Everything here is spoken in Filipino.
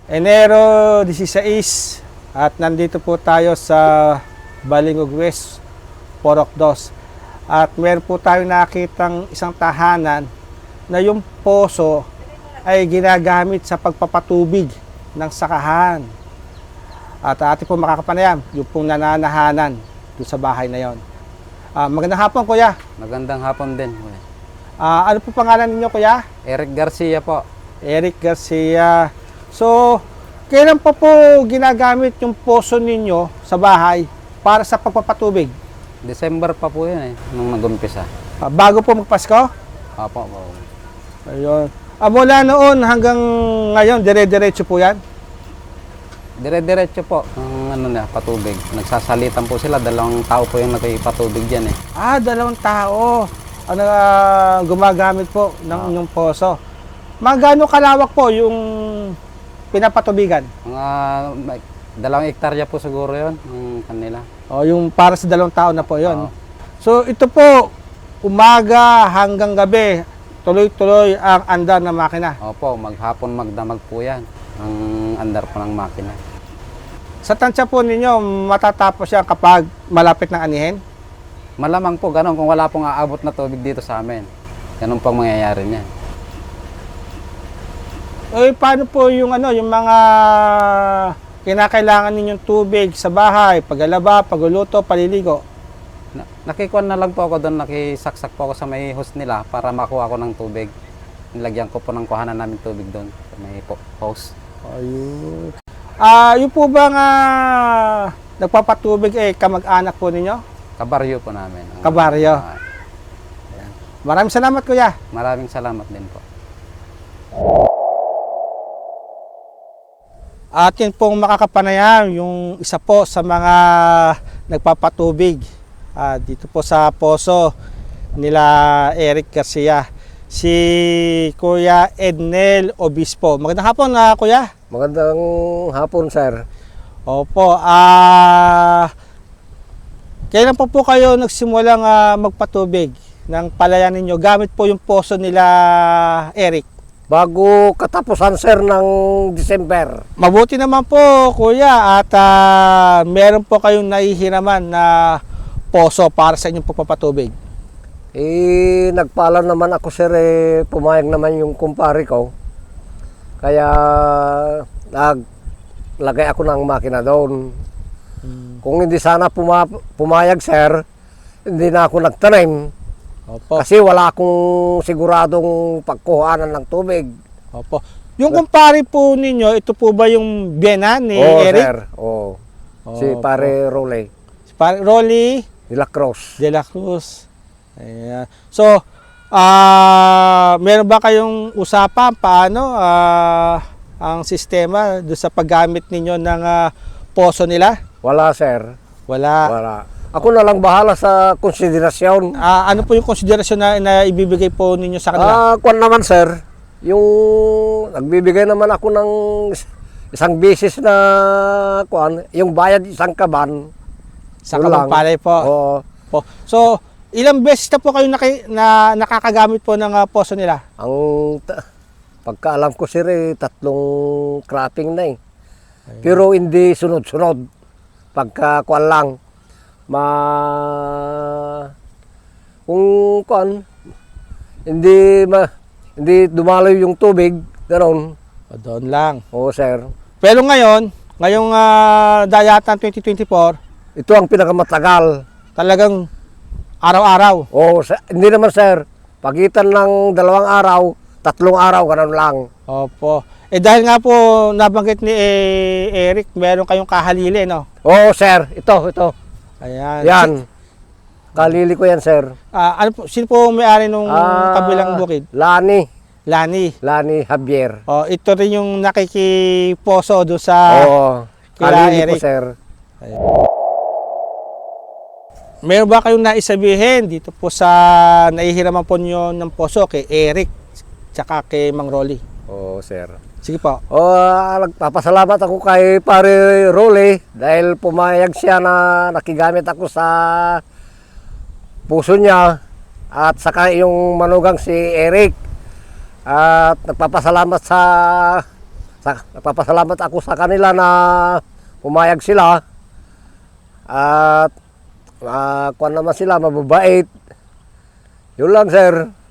Enero 16 at nandito po tayo sa Balingog West, Porok 2. At meron po tayo nakitang isang tahanan na yung poso ay ginagamit sa pagpapatubig ng sakahan. At ating po makakapanayam, yung pong nananahanan doon sa bahay na yon. Magandang hapon, kuya. Magandang hapon din, kuya. Ano po pangalan ninyo, kuya? Eric Garcia po. Eric Garcia. So, kailan pa po ginagamit yung poso ninyo sa bahay para sa pagpapatubig? December pa po yun nung nag-umpisa. Bago po magpasko? Opo. Ayun. Mula noon hanggang ngayon, dire-diretso po yan? Dire-diretso po ang patubig. Nagsasalitan po sila, 2 tao po yung nagpapatubig diyan . Dalawang tao ang gumagamit po ng inyong poso. Magano kalawak po yung pinapatubigan? Mga 2 hektarya po siguro yun ng kanila. Yung para sa 2 tao na po yon. Oo. So ito po, umaga hanggang gabi, tuloy-tuloy ang andar ng makina. Opo, maghapon magdamag po yan ang andar po ng makina. Sa tansya po ninyo, matatapos yan kapag malapit ng anihin? Malamang po ganun kung wala pong aabot na tubig dito sa amin. Ganun pong mangyayari niyan. Paano po yung yung mga kinakailangan ninyong tubig sa bahay, paglalaba, pagluluto, paliligo? Nakikuan na lang po ako doon, nakisaksak po ako sa may hose nila para makuha ko ng tubig. Nilagyan ko po ng kuhanan namin tubig doon sa may hose. Ayun. Yung po ba nga nagpapatubig kamag-anak po ninyo? Kabaryo po namin. Kabaryo. Maraming salamat, kuya. Maraming salamat din po. Atin pong makakapanayam yung isa po sa mga nagpapatubig dito po sa poso nila Eric Garcia, si Kuya Ednel Obispo. Magandang hapon, kuya. Magandang hapon, sir. Opo. Kailan po kayo nagsimulang magpatubig ng palayan ninyo gamit po yung poso nila Eric? Bago katapusan, sir, ng December. Mabuti naman po, kuya, at meron po kayong nahihiraman na poso para sa inyong pagpapatubig. Nagpaalam naman ako, sir, pumayag naman yung kumpare ko. Kaya naglagay ako ng makina doon. Kung hindi sana pumayag, sir, hindi na ako nagtanim. Opo. Kasi wala akong siguradong pagkuhanan ng tubig. Opo. Yung kumpare po ninyo, ito po ba yung biyena ni Eric? Sir. Si pare Rolly Si pare Rolly de la Cruz. de la Cruz. Ayan. So, meron ba kayong usapan paano ang sistema doon sa paggamit ninyo ng poso nila? Wala, sir. Wala. Ako na lang bahala sa konsiderasyon. Ano po yung konsiderasyon na ibibigay po ninyo sa kanila? Kwan naman, sir. Yung nagbibigay naman ako ng isang beses na kwan, yung bayad isang kaban. Sa Kapagpalay po. Oo. So, ilang beses na po kayo nakakagamit po ng poso nila? Pagkaalam ko, sir, 3 cropping na . Pero hindi sunod-sunod. Pagka kwan lang. Kung kwan, hindi dumaloy yung tubig, ganoon. Doon lang. Oo, sir. Pero ngayong dayatan 2024, Ito ang pinakamatagal. talagang araw-araw. Oo, hindi naman, sir. Pagitan ng 2 araw, 3 araw, ganoon lang. Opo. Dahil nga po nabanggit ni Eric, meron kayong kahalili, no? Oo, sir. Ito. Ayan. Yan. Kalili ko yan, sir. Sino po may-ari nung kabilang bukid? Lani Javier. Javier. Ito rin yung nakikiposo doon sa kila Kalili Eric. ko, sir. Ayan. Meron ba kayong naisabihin dito po sa nahihiraman po nyo ng poso kay Eric tsaka kay Mang Rolly? Oo, sir. Sige po. Nagpapasalamat ako kay pare Rolly dahil pumayag siya na nakigamit ako sa puso niya at saka yung manugang si Eric. At nagpapasalamat Nagpapasalamat ako sa kanila na pumayag sila. At kuwan naman sila, mababait. Yun lang, sir.